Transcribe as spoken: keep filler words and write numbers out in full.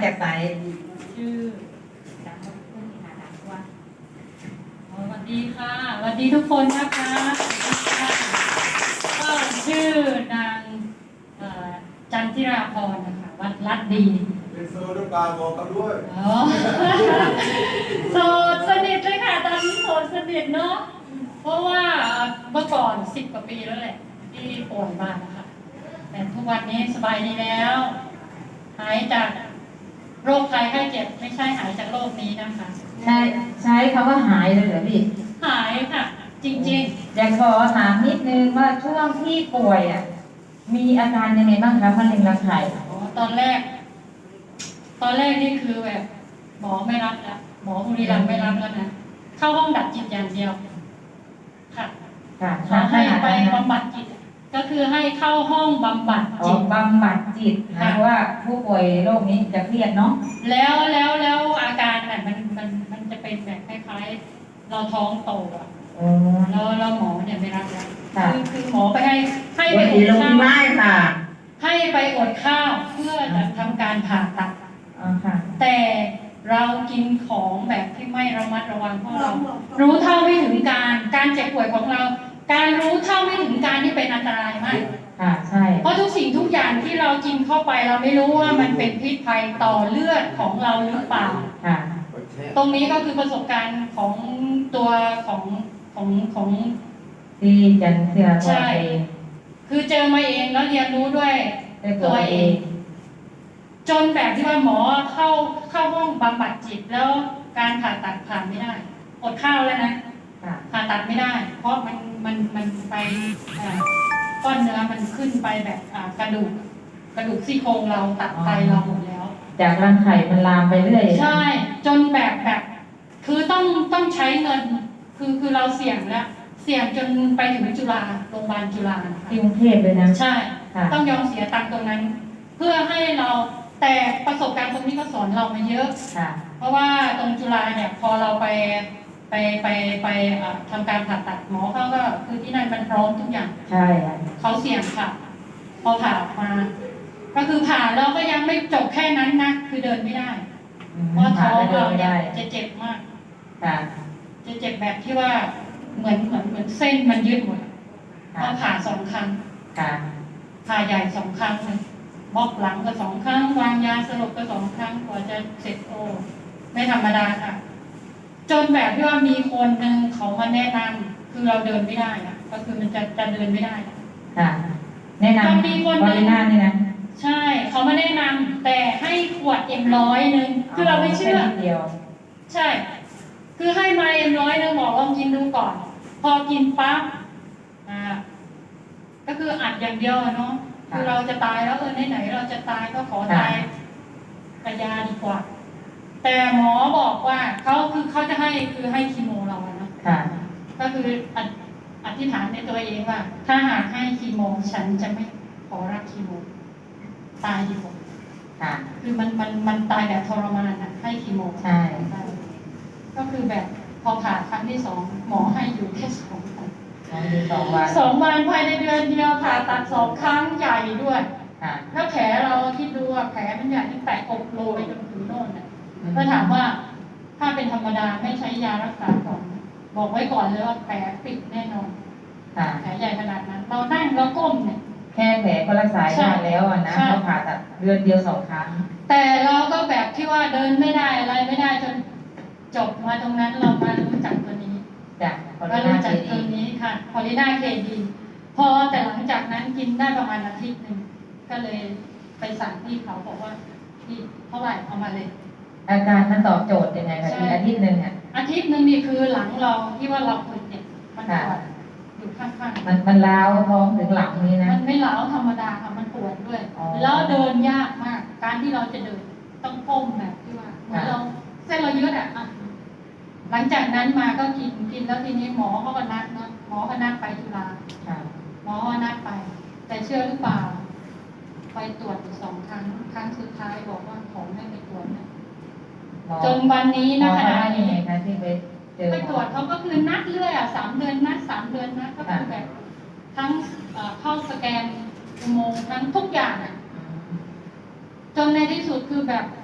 จากไหนชื่อดังเพื่อนค่ะดังว่าสวัสดีค่ะสวัสดีทุกคนนะคะก็ชื่อนางจันทิราพรนะคะวัดลัดดีเป็นโซดปลาบอกกันด้วยโสดสนิทเลยค่ะตอนนี้โสดสนิทเนาะเพราะว่าเมื่อก่อนสิบกว่าปีแล้วแหละที่ป่วยมาค่ะแต่ทุกวันนี้สบายดีแล้วหายจากโรคภัยไข้เจ็บไม่ใช่หายจากโรคนี้นะคะใช่ใช้คำว่าหายเลยเหรอพี่หายค่ะจริงๆอยากขอถามนิดนึงว่าช่วงที่ป่วยอ่ะมีอาการยังไงบ้างคะมะเร็งรังไข่อ๋อตอนแรก ตอนแรกนี่คือแบบหมอไม่รับแล้วหมอบุรีรัมย์ไม่รับแล้วนะเข้าห้องดับจิตอย่างเดียวค่ะค่ะให้ไปบำบัดจิตก็คือให้เข้าห้องบำบัดจิตบำบัดจิตนะว่าผู้ป่วยโรคนี้จะเครียดเนาะแล้วแล้วแล้วอาการน่ะมันมันมันจะเป็นแบบคล้ายๆเราท้องโตอ่ะแล้วแล้วหมอเนี่ยไม่รับแล้วคือคือหมอไปให้ให้ไปอดข้าวค่ะให้ไปอดข้าวเพื่อจะทำการผ่าตัดค่ะแต่เรากินของแบบที่ไม่ระมัดระวังเพราะเรารู้เท่าไม่ถึงการการเจ็บป่วยของเราการรู้เท่าไม่ถึงการที่เป็นอันตรายมากค่ะใช่เพราะทุกสิ่งทุกอย่างที่เรากินเข้าไปเราไม่รู้ว่ามันเป็นพิษภัยต่อเลือดของเราหรือเปล่าค่ะตรงนี้ก็คือประสบการณ์ของตัวของของของที่จันเสียใช่คือเจอมาเองแล้วเรียนรู้ด้วยตัวเองจนแบบที่ว่าหมอเข้าเข้าห้องบำบัดจิตแล้วการผ่าตัดผ่านไม่ได้อดข้าวแล้วนะผ่าตัดไม่ได้เพราะมันมันมันไปก้อนเนื้อมันขึ้นไปแบบกระดูกกระดูกซี่โครงเราตัดไตเราหมดแล้วจากรังไข่มันลามไปเรื่อยใช่จนแบบแบบคือต้องต้องใช้เงินคือคือเราเสี่ยงแล้วเสี่ยงจนไปถึงจุฬาโรงพยาบาลจุฬาที่กรุงเทพเลยนะใช่ต้องยอมเสียตังค์ตรงนั้นเพื่อให้เราแต่ประสบการณ์ตรงนี้ก็สอนเรามาเยอะเพราะว่าตรงจุฬาเนี่ยพอเราไปไปไปไปทำการผ่าตัดหมอเขาก็คือที่นั่นมันพร้อมทุกอย่างใช่เขาเสี่ยงค่ะพอผ่ามาก็คือผ่าแล้วก็ยังไม่จบแค่นั้นนะคือเดินไม่ได้เพราะท้องเราเนี่ยจะเจ็บมากจะเจ็บแบบที่ว่าเหมือนเหมือนเหมือนเส้นมันยืดหมดเพราะผ่าสองครั้งผ่าใหญ่สองครั้งเลยบล็อกหลังก็สองครั้งวางยาสลบก็สองครั้งกว่าจะเสร็จโอ้ไม่ธรรมดาค่ะจนแบบที่ว่ามีคนหนึ่งเขามาแนะนำคือเราเดินไม่ได้นะก็คือมันจะจะเดินไม่ได้ค่ะแนะนำมีคนนึงนี่นะใช่เขามาแนะนำแต่ให้ขวดเอ็มร้อยหนึ่งคือเราไม่เชื่อเดียวใช่คือให้มาเอ็มร้อยหนึ่งบอกลองกินดูก่อนพอกินปั๊บอ่าก็คืออัดอย่างเดียวเนาะคือเราจะตายแล้วเออไหนๆเราจะตายก็ขอตายกระยาดีกว่าแต่หมอบอกว่าเขาคือเขาจะให้คือให้คีโมเรานะก็คืออธิษฐานในตัวเองว่าถ้าหากให้คีโมฉันจะไม่ขอรับคีโมตายดีกว่าคือมันมันมันตายแบบทรมานนะให้คีโมใช่ก็คือแบบพอผ่าครั้งที่สองหมอให้อยู่แค่สองวันสองวันสองวันภายในเดือนเดียวผ่าตัดสองครั้งใหญ่ด้วยถ้าแผลเราคิดดูว่าแผลมันใหญ่ที่แตกอกโลไปจนถึงโน่นน่ะก็ถามว่าถ้าเป็นธรรมดาไม่ใช้ยารักษาก่อนบอกไว้ก่อนเลยว่าแผลปิดแน่นอนแผลใหญ่ขนาดนั้นเรานั่งเราก้มเนี่ยแค่แผลก็รักษายากแล้วนะเขาผ่าตัดเดือนเดียวสองครั้งแต่เราก็แบบที่ว่าเดินไม่ได้อะไรไม่ได้จนจบมาตรงนั้นเรามารู้จักตัวนี้มารู้จักตัวนี้ค่ะพอลิน่าเคดีพอแต่หลังจากนั้นกินได้ประมาณอาทิตย์หนึ่งก็เลยไปสั่งที่เขาบอกว่าที่เท่าไหร่เอามาเลยอาการมันตอบโจทย์ยังไงคะอาทิตย์หนึ่งอ่ะอาทิตย์หนึ่งนี่คือหลังเราที่ว่าเราคนเนี่ยมันปวดอยู่ข้างๆมันมันล้าวท้องถึงหลังนี้นะมันไม่ล้าวธรรมดาค่ะมันปวดด้วยแล้วเดินยากมากการที่เราจะเดินต้องก้มแบบที่ว่าเหมือนเราเส้นเรายืดอ่ะหลังจากนั้นมาก็กินกินแล้วทีนี้หมอเขาก็นัดเนาะหมอก็นัดไปจุฬาหมอก็นัดไปแต่เชื่อหรือเปล่าไปตรวจสองครั้งครั้งสุดท้ายบอกว่าของไม่ไปตรวจนะจนวันนี้นะขณะนี้ที่ไปเจอไปตรวจเขาก็คือนัดเรื่อยอ่ะสามเดือนนัดสามเดือนนัดก็คือแบบทั้งเข้าสแกนอุโมงค์ทั้งทุกอย่างอ่ะจนในที่สุดคือแบบ